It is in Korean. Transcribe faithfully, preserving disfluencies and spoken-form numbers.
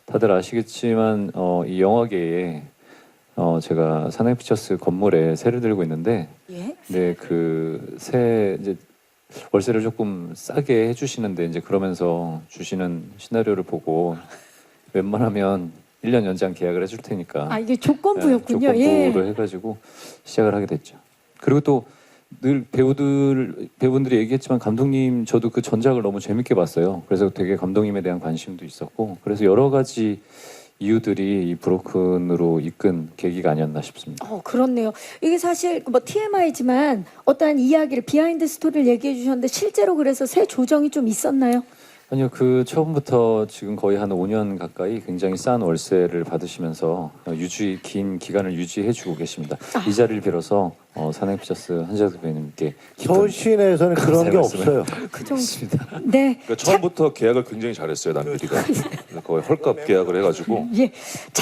다들 아시겠지만 어, 이 영화계에 어, 제가 사나이피처스 건물에 세를 들고 있는데, 예? 네, 그 세 이제 월세를 조금 싸게 해주시는데 이제 그러면서 주시는 시나리오를 보고 웬만하면 일 년 연장 계약을 해줄 테니까. 아 이게 조건부였군요. 네, 조건부로 예. 해가지고 시작을 하게 됐죠. 그리고 또 늘 배우들 배우분들이 얘기했지만 감독님 저도 그 전작을 너무 재밌게 봤어요. 그래서 되게 감독님에 대한 관심도 있었고 그래서 여러 가지 이유들이 이 브로큰으로 이끈 계기가 아니었나 싶습니다. 어 그렇네요. 이게 사실 뭐 티엠아이지만 어떠한 이야기를 비하인드 스토리를 얘기해 주셨는데 실제로 그래서 새 조정이 좀 있었나요? 아니요, 그 처음부터 지금 거의 한 오 년 가까이 굉장히 싼 월세를 받으시면서 유지 긴 기간을 유지해주고 계십니다. 아. 이 자리를 빌어서 어, 사나이피처스 한재석 배우님께 서울 시내에서는 그런 게 없어요. 그 정도. 있습니다. 네. 그러니까 처음부터 계약을 굉장히 잘했어요 남편이가. 거의 헐값 계약을 해가지고 예. 자,